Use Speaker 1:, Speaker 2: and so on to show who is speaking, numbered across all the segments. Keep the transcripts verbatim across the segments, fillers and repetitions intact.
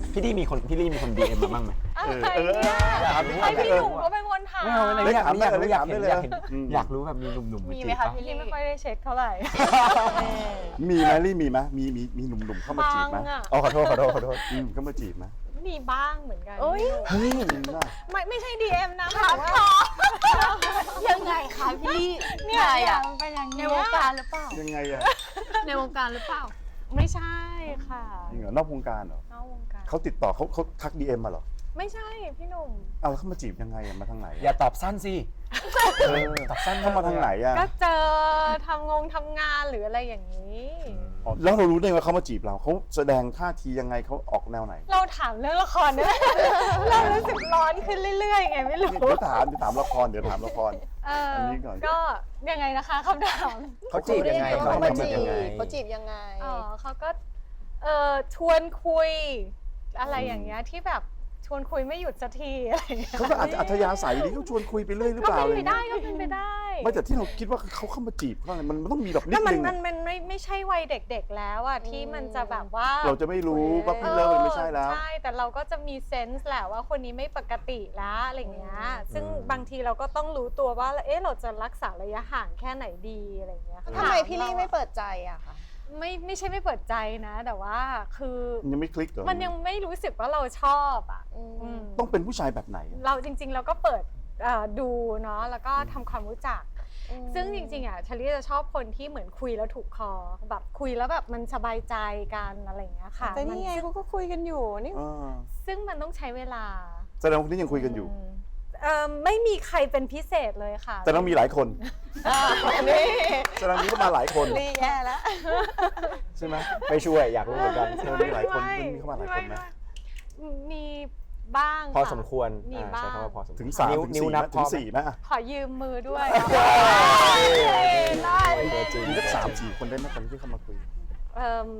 Speaker 1: พี่ลี่มีคนพี่ลี่มีคนดีเอ็มมาบ้างไหม
Speaker 2: อะไรเนี่ยไอพี่หนุ่มก็เป็นคนถาม
Speaker 1: ไม่เอาเลยอยากอยากรู้อยากเห็นอยากเห็น
Speaker 3: อืม
Speaker 1: อยากรู้แบบมีหนุ่มๆมา
Speaker 2: มี
Speaker 1: จี
Speaker 2: ไหม
Speaker 1: บ
Speaker 2: คะ
Speaker 1: ปะ
Speaker 2: พี่ลี่ไม่ค่อยได้เช็คเท่าไหร่
Speaker 3: มีไหมลี่มีไหมมีมีมีหนุ่มๆเข้ามาจีบไหม
Speaker 2: บางอะ
Speaker 1: อ๋อขอโทษขอโทษขอโทษ
Speaker 3: อืมเข้ามาจีบไหม
Speaker 2: มีบ้างเหมือนกัน
Speaker 4: เอ้ย
Speaker 1: เฮ้ย
Speaker 3: จริงป่ะ
Speaker 2: ไม่ไม่ใช่ ดี เอ็ม นะ
Speaker 4: ถาม
Speaker 2: แต่
Speaker 4: ต่
Speaker 2: ว่า
Speaker 4: อยังไงคะพี่ลี่
Speaker 2: เนี่ย
Speaker 4: ใคร
Speaker 2: เนี่ย
Speaker 4: อะ
Speaker 2: มันเป็นอย่าง
Speaker 4: ใน
Speaker 2: เงี้
Speaker 4: วย งการหรือเปล่า
Speaker 3: ยังไงอะ
Speaker 4: ในวงการหรือเปล่า
Speaker 2: ไม่ใช่ค่ะ
Speaker 3: จริงเหรอนอกวงการเหรอน
Speaker 2: อกวงการ
Speaker 3: เขาติดต่อเขาเขาทักดีเอ็มมาเหรอ
Speaker 2: ไม่ใช่พี่หนุ่ม
Speaker 3: เอาแล้วเขามาจีบยังไงอะมาทางไหน
Speaker 1: อย่าตอบสั้นสิ
Speaker 3: เออ
Speaker 1: ตอบสั้น
Speaker 3: เขามาทางไหนอะ
Speaker 2: ก็เจอทำงงทำงานหรืออะไรอย่างนี้
Speaker 3: อ๋อแล้วเรารู้ได้ไงว่าเขามาจีบเราเขาแสดงท่าทียังไงเขาออกแนวไหน
Speaker 2: เราถามเรื่องละครเนี่ยเรารู้สึกร้อนขึ้นเรื่อยๆไงไม่รู้
Speaker 3: เดี๋ยวถามเดี๋ยวถามละครเดี๋ยวถามละคร
Speaker 2: เออ
Speaker 3: อันนี้ก่อน
Speaker 2: ก็ยังไงนะคะคำถาม
Speaker 1: เขาจีบยังไง
Speaker 4: เขา
Speaker 1: เขา
Speaker 4: มา
Speaker 1: มาจี
Speaker 4: จี
Speaker 1: บบ ยังไง
Speaker 4: เขาจีบยังไง
Speaker 2: อ๋อเขาก็เออชวนคุยอะไรอย่างเงี้ยที่แบบชวนคุยไม่หยุดสักทีอะไรอย่างเงี้ย
Speaker 3: เขาก็อาจจะอัธยาศัยดีเขาชวนคุยไปเรื่อยหรือ
Speaker 2: ก็
Speaker 3: เปล่า
Speaker 2: เป็น
Speaker 3: อะไร
Speaker 2: ไป
Speaker 3: เงี้ย
Speaker 2: ได้ก็เป็นไปได้
Speaker 3: ไม่แต่ที่เราคิดว่าเขาเข้ามาจีบเขาอะไรมันมันต้องมีแบบนิ
Speaker 2: ก็
Speaker 3: ด
Speaker 2: มัน
Speaker 3: นึง
Speaker 2: มั
Speaker 3: อะ
Speaker 2: นมันไม่ไม่ใช่วัยเด็กๆแล้วอะที่มันจะแบบว่า
Speaker 3: เราจะไม่รู้ว่าพี่เลิกมันไม่ใช่แล้ว
Speaker 2: ใช่แต่เราก็จะมีเซนส์แหละว่าคนนี้ไม่ปกติแล้วอะไรอย่างเงี้ยซึ่งบางทีเราก็ต้องรู้ตัวว่าเอ๊ะเราจะรักษาระยะห่างแค่ไหนดีอะไรอย่างเงี้ยค่ะ
Speaker 4: ทำไมพี่ลี่ไม่เปิดใจอะคะ
Speaker 2: ไม่ไม่ใช่ไม่เปิดใจนะ แต่ว่าคือ
Speaker 3: ยังไม่คลิกเหรอ
Speaker 2: มันยังไม่รู้สึกว่าเราชอบอ่ะ
Speaker 4: อืม
Speaker 2: อืม
Speaker 3: ต้องเป็นผู้ชายแบบไหนอะ
Speaker 2: เราจริงๆเราก็เปิดเอ่อดูเนาะแล้วก็ทำความรู้จัก ซึ่งจริงๆอ่ะชาลีจะชอบคนที่เหมือนคุยแล้วถูกคอแบบคุยแล้วแบบมันสบายใจกันอะไรอย่างเงี้ยค่ะ
Speaker 4: แต่นี่ไง
Speaker 2: มั
Speaker 4: เขาก็คุยกันอยู่นี่
Speaker 3: อ่า
Speaker 2: ซึ่งมันต้องใช้เวลา
Speaker 3: แสดงว่าคนนี้ยังคุยกันอยู่
Speaker 2: มเอ่อไม่มีใครเป็นพิเศษเลยค่ะ
Speaker 3: แต่ต้องมีหลายคน
Speaker 4: นี่
Speaker 3: แสดงนี้ก็มาหลายคน
Speaker 4: ลี่แย่แล้ว
Speaker 3: ใช่ไหม
Speaker 1: ไม่ช่วยอยากรู้เหมือนกัน
Speaker 3: เออมีหลายคนมีเข้ามาหลายคนไหม
Speaker 2: มีบ้าง
Speaker 1: พอ
Speaker 2: ค่ะ
Speaker 1: สมควร
Speaker 2: มี
Speaker 1: อ่า
Speaker 2: บ้า
Speaker 1: ใช้
Speaker 2: ง
Speaker 1: คำว่าพอสมควร
Speaker 3: ถึงสาม
Speaker 1: นิ้ว
Speaker 3: ถึง
Speaker 1: นิ้ว
Speaker 3: สี่
Speaker 1: นับ
Speaker 3: นะ
Speaker 1: พ
Speaker 3: ถึ
Speaker 1: อง
Speaker 3: สี่ไหมอะ
Speaker 2: ขอยืมมือด้วย
Speaker 1: ได้
Speaker 3: มีสักสามสี่คนได้ไหมตอนที่เข้ามาคุย
Speaker 2: เอิ่ม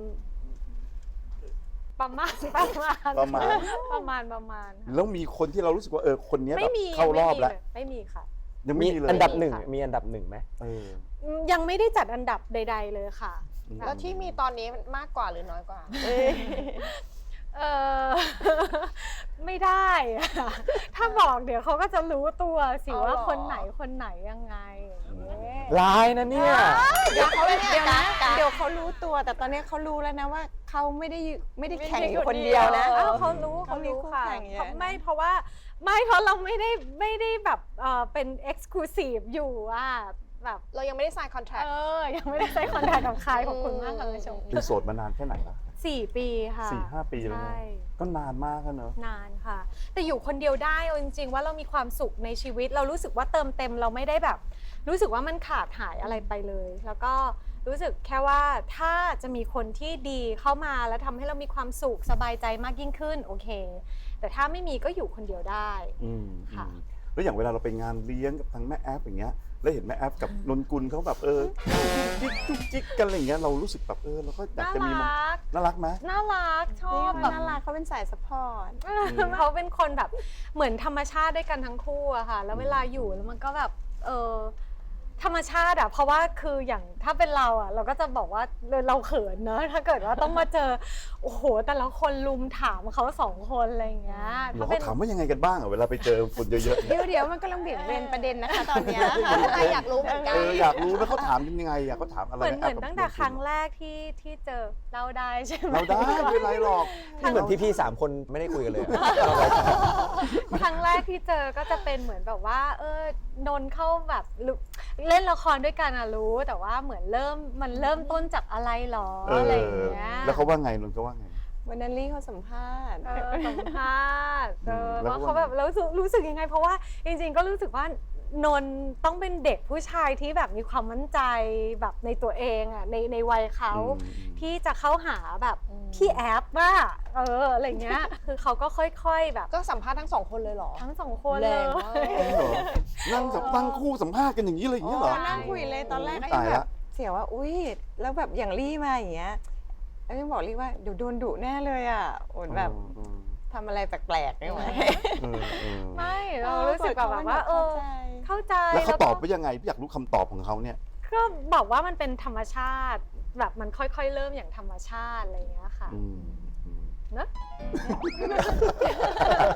Speaker 2: ประมาณประมาณ
Speaker 3: ประมาณ
Speaker 2: ประมาณประมาณค่ะ
Speaker 3: แล้วมีคนที่เรารู้สึกว่าเออคนเนี้ยแบ
Speaker 2: ไม่
Speaker 3: บ
Speaker 2: มี
Speaker 3: เข้ารอบแล้ว
Speaker 2: ไม่มีค่ะ
Speaker 3: ยังไม่
Speaker 1: มี
Speaker 3: มีเลย
Speaker 1: อันดับหนึ่ง
Speaker 2: ค่ะ
Speaker 1: มีอันดับหนึ่งไหม
Speaker 3: เออ
Speaker 2: ยังไม่ได้จัดอันดับใด ๆ เลยค่ะ
Speaker 3: อืม
Speaker 4: แล้วที่มีตอนนี้มันมากกว่าหรือน้อยกว่า
Speaker 2: เออ ไม่ได้อะถ้าบอกเดี๋ยวเขาก็จะรู้ตัวสิ
Speaker 4: เอา
Speaker 2: ว่า
Speaker 4: เหรอ
Speaker 2: คนไหนคนไหนยังไงอย่างเงี้ย
Speaker 1: ร้ายนะเนี่ย
Speaker 4: เดี๋ยวเขาเดี๋ยวนะ
Speaker 2: กะ
Speaker 4: เดี๋ยวเขารู้ตัวแต่ตอนนี้เขารู้แล้วนะว่าเขาไม่ได้ไม่ได้แข่งอยู่คนเดียวนะ
Speaker 2: อ้าวเขารู้
Speaker 4: เขา
Speaker 2: เขา
Speaker 4: มี
Speaker 2: รู้
Speaker 4: คู่
Speaker 2: ค่ะ
Speaker 4: แข่งเยอะ
Speaker 2: เขา
Speaker 4: นะ
Speaker 2: ไม่เพราะว่าไม่เพราะเราไม่ได้ไม่ได้แบบเออเป็นเอ็กซ์คลูซีฟอยู่อ่ะแบบ
Speaker 4: เรายังไม่ได้ sign
Speaker 2: เอ
Speaker 4: contract
Speaker 2: อยังไม่ได้ใช้คอนแทคกับใครขอบคุณมากค่ะคุณผู้ชม
Speaker 3: เป็นโสดมานานแค่ไหนละ
Speaker 2: สี่ปีค่ะ
Speaker 3: สี่ห้าปีแล้ว
Speaker 2: ใช่
Speaker 3: นะก็นานมากแล้วเนอะ
Speaker 2: นานค่ะ แต่อยู่คนเดียวได้เอาจริงๆว่าเรามีความสุขในชีวิต เรารู้สึกว่าเติมเต็มเราไม่ได้แบบ รู้สึกว่ามันขาดหายอะไรไปเลย แล้วก็รู้สึกแค่ว่าถ้าจะมีคนที่ดีเข้ามาแล้วทำให้เรามีความสุขสบายใจมากยิ่งขึ้นโอเค แต่ถ้าไม่มีก็อยู่คนเดียวได้
Speaker 3: อืม
Speaker 2: ค่ะ
Speaker 3: อืมแล้วอย่างเวลาเราไปงานเลี้ยงกับทางแม่แอฟอย่างเงี้ยแล้วเห็นแม่แอฟกับนนกุลเขาแบบเออจิ๊กจุ๊กจิ๊กกันอะไรอย่างเงี้ยเรารู้สึกแบบเออเราก็อยาก
Speaker 2: น่า
Speaker 3: จะมีมัน
Speaker 2: รัก
Speaker 3: น่ารักไหม
Speaker 2: น่ารักชอบแบบ
Speaker 4: น่ารักเขาเป็นสายสปอร์ต
Speaker 2: เขาเป็นคนแบบเหมือนธรรมชาติด้วยกันทั้งคู่อะค่ะ แล้วเวลาอยู่แล้วมันก็แบบเออธรรมชาติอะเพราะว่าคืออย่างถ้าเป็นเราอะเราก็จะบอกว่าเราเขินเนอะถ้าเกิดว่าต้องมาเจอโอ้โหแต่ละคนลุมถามเขาสองคนอะไรอย่างเงี้ย
Speaker 3: เรา
Speaker 2: เป็
Speaker 3: ก็
Speaker 2: น
Speaker 3: ถามว่ายังไงกันบ้างอ่ะเวลาไปเจอคนเยอะๆ
Speaker 4: เดี๋ยวเดี๋ยวมันกำลังเบี่ยงเบนประเด็นนะคะตอนเนี้ยอะไรอยากรู้เหมือนกั
Speaker 3: เอน ออยากรู้ว่าเขาถามกันยังไงอ่ะเขาถามอะไร
Speaker 2: เหมือน
Speaker 3: แ
Speaker 2: เหมือน
Speaker 3: กับ
Speaker 2: ตั้งแต่
Speaker 3: นกุล
Speaker 2: ครั้งแรกที่ที่เจอเราได้ใช่ไหม
Speaker 3: เราได้ไม่เป็นไรหรอก
Speaker 1: นี่เหมือนพี่ๆสามคนไม่ได้คุยกันเลยอะ
Speaker 2: ครั้งแรกที่เจอก็จะเป็นเหมือนแบบว่า เออนนท์เข้าแบบลุเล่นละครด้วยกันอะรู้ แต่ว่าเหมือนเริ่มมันเริ่มต้นจากอะไรหรอ
Speaker 3: เออ
Speaker 2: อะไรอย่างเงี้ย
Speaker 3: แล้วเขาว่าไงนนท์เขาว่าไง
Speaker 4: วันนั้นลี่เขาสัมภาษณ์
Speaker 2: เออสัมภาษณ์เออ
Speaker 3: แล้ว
Speaker 2: ว่า
Speaker 3: ก็
Speaker 2: เขาแบบแล้วรู้สึกรู้สึกยังไง เพราะว่าจริงๆก็รู้สึกว่านนท์ต้องเป็นเด็กผู้ชายที่แบบมีความมั่นใจแบบในตัวเองอะในในวัยเขา
Speaker 3: อืม
Speaker 2: ที่จะเข้าหาแบบ
Speaker 4: อืม
Speaker 2: พี่แอฟว่าเอออะไรเงี้ย คือเขาก็ค่อยๆแบบ
Speaker 4: ก็สัมภาษณ์ทั้งสองคนเลยเหรอ
Speaker 2: ทั้งสองคน
Speaker 4: แร
Speaker 2: เลย
Speaker 4: งมาก
Speaker 3: จริงเหรอนั่งสัมนั่งคู่สัมภาษณ์กันอย่างนี้เลยอย่างนี้เหรอ
Speaker 4: นั่งคุยเลยตอนแรกก็
Speaker 3: ตา
Speaker 4: ยัง
Speaker 3: ย
Speaker 4: แบ
Speaker 3: ละ
Speaker 4: บเสียวว่าอุ้ยแล้วแบบอย่างลี่มาอย่างเงี้ยแล้วยังบอกลี่ว่าเดี๋ยวโดนดุแน่เลยอ่ะโอนแบบ
Speaker 3: เออ
Speaker 4: ทำอะไรแปลกๆไม่ไหว
Speaker 3: เออเออ
Speaker 2: ไม่เรารู้สึกแบบว่า เออ เข้าใจ
Speaker 3: แล้วเขาตอบ
Speaker 2: ก็
Speaker 3: ว่ายังไงพี่อยากรู้คำตอบของเขาเนี่ย
Speaker 2: ก็บอกว่ามันเป็นธรรมชาติ แบบมันค่อยๆเริ่มอย่างธรรมชาติอะไรเงี้ยค่ะ
Speaker 3: อืมอืม
Speaker 2: นะ